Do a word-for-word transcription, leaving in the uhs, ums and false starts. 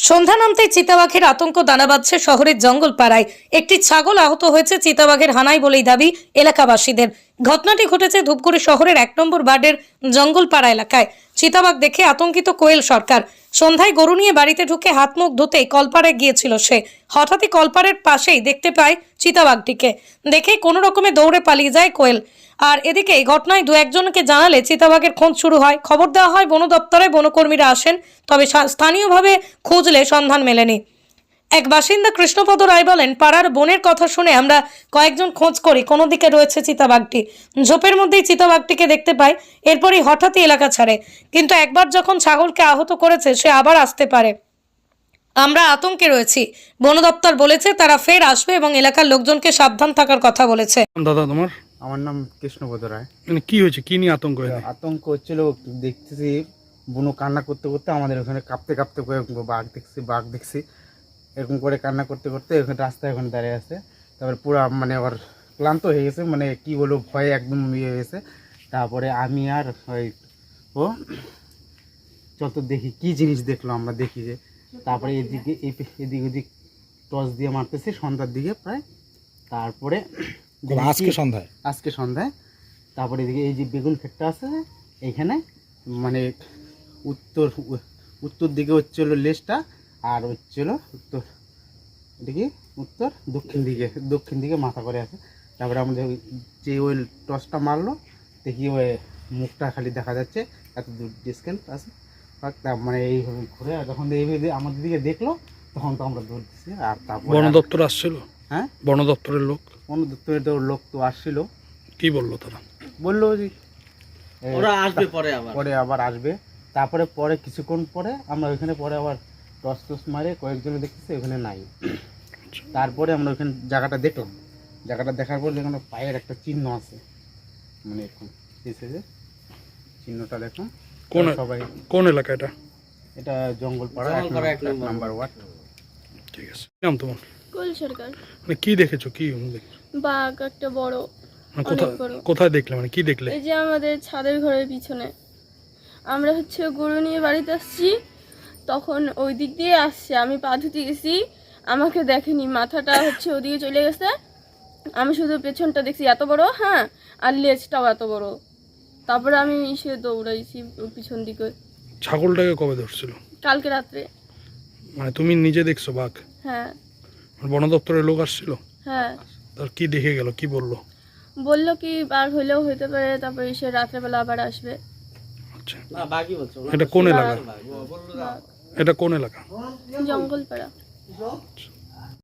সন্ধ্যা নামতেই চিতাবাঘের আতঙ্ক দানা বাঁধছে শহরের জঙ্গলপাড়ায়। একটি ছাগল আহত হয়েছে চিতাবাঘের হানায় বলেই দাবি এলাকাবাসীদের। ঘটনাটি ঘটেছে ধূপগুড়ি শহরের এক নম্বর ওয়ার্ডের জঙ্গলপাড়া এলাকায়। চিতাবাঘ দেখে আতঙ্কিত কোয়েল সরকার। সন্ধ্যায় গরু নিয়ে বাড়িতে ঢুকে হাত মুখ ধুতেই কলপাড়ে গিয়েছিল সে। হঠাৎই কলপাড়ের পাশেই দেখতে পায় চিতাবাঘটিকে। দেখে কোনো রকমে দৌড়ে পালিয়ে যায় কোয়েল। আর এদিকে এই ঘটনায় দু একজনকে জানালে চিতাবাঘের খোঁজ শুরু হয়। খবর দেওয়া হয় বন দপ্তরে, বনকর্মীরা আসেন, তবে স্থানীয়ভাবে খুঁজলে সন্ধান মেলেনি। এক বাসিন্দা কৃষ্ণপদ রায় বলেন, পাড়ার বনের কথা শুনে আমরা কয়েকজন খোঁজ করি কোনো দিকে রয়েছে চিতাবাঘটি। ঝোপের মধ্যেই চিতাবাঘটিকে দেখতে পাই। এরপরই হঠাৎই এলাকা ছাড়ে, কিন্তু একবার যখন ছাগলকে আহত করেছে সে আবার আসতে পারে। আমরা আতঙ্কে রয়েছি। বন দপ্তর বলেছে তারা ফের আসবে এবং এলাকার লোকজনকে সাবধান থাকার কথা বলেছে। দাদা তোমার আমার নাম কৃষ্ণপদ রায়। মানে কি হয়েছে, কি নিয়ে আতঙ্ক হয়েছে? আতঙ্ক হচ্ছিল, দেখতেছি বুনো কান্না করতে করতে আমাদের ওখানে কাঁপতে কাঁপতে করে বাঘ দেখছি বাঘ দেখছি এরকম করে কান্না করতে করতে ওখানে রাস্তায় ওখানে দাঁড়িয়ে আছে। তারপরে পুরো মানে ওর ক্লান্ত হয়ে গেছে, মানে কি বলবো, ভয়ে একদম ইয়ে হয়ে গেছে। তারপরে আমি আর ওই ও চল দেখি কি জিনিস দেখলো, আমরা দেখি যে তারপরে এদিকে এদিক ওদিক টর্চ দিয়ে মারতেছে সন্ধ্যার দিকে প্রায়। তারপরে আজকে সন্ধ্যায় আজকে সন্ধ্যায় তারপরে এদিকে এই যে বেগুন ক্ষেতটা আছে এইখানে, মানে উত্তর উত্তর দিকে হচ্ছিল লেজটা, আর হচ্ছিল উত্তর এদিকে উত্তর দক্ষিণ দিকে দক্ষিণ দিকে মাথা করে আছে। তারপরে আমাদের যে ওই টসটা মারলো দেখি ওই মুখটা খালি দেখা যাচ্ছে, এত দূর ডিসটেন্স আছে। মানে এইভাবে ঘুরে যখন এইভাবে আমাদের দিকে দেখলো তখন তো আমরা দৌড় দিচ্ছি। আর তারপর বন দপ্তর আসছিল। হ্যাঁ, বন দপ্তরের লোক বন দপ্তরের তো লোক তো আসছিল। কি বললো তারা? বললো যে ওরা আসবে পরে আবার পরে আবার আসবে। তারপরে পরে কিছুক্ষণ পরে আমরা ওইখানে পরে আবার টস টস মারে কয়েকজনে দেখতেছি ওখানে নাই। তারপরে আমরা ওইখানে জায়গাটা দেখলাম, জায়গাটা দেখার পর যেখানে পায়ের একটা চিহ্ন আছে, মানে এরকম এসে যে চিহ্নটা দেখুন। কোন সবাই কোন এলাকা এটা? এটা জঙ্গলপাড়া এক জঙ্গলপাড়া এক নম্বর নাম্বার ওয়ার্ড। ঠিক আছে, নাম তোমার? কোল সরকার। মানে কি দেখেছো, কি দেখেছো? বাঘ একটা বড়, মানে অনেক কোথায় বড়। কোথায় দেখলে, মানে কি দেখলে? এই যে আমাদের ছাদের ঘরের পিছনে। আমরা হচ্ছে গরু নিয়ে বাড়িতে আসছি, তখন ওই দিক দিয়ে আসছে, আমি পা ধুতে গেছি, আমাকে দেখেনি, মাথাটা হচ্ছে ওদিকে চলে গেছে, আমি শুধু পেছনটা দেখছি এত বড়, হ্যাঁ, আর লেজটাও এত বড়। তারপরে আমি এসে দৌড়াইছি পিছন দিকে। ছাগলটাকে কবে ধরছিল? কালকে রাত্রে। মানে তুমি নিজে দেখছো বাঘ? হ্যাঁ বন দপ্তরের লোক আসছিল? হ্যাঁ। তার কি দেখে গেল, কি বললো? বললো কি বাঘ হইলেও হইতে পারে, তারপরে এসে রাত্রেবেলা আবার আসবে। আচ্ছা, না বাকি বলছো এটা কোন এলাকা? বাঘ। এটা কোন এলাকা? জঙ্গলপাড়া।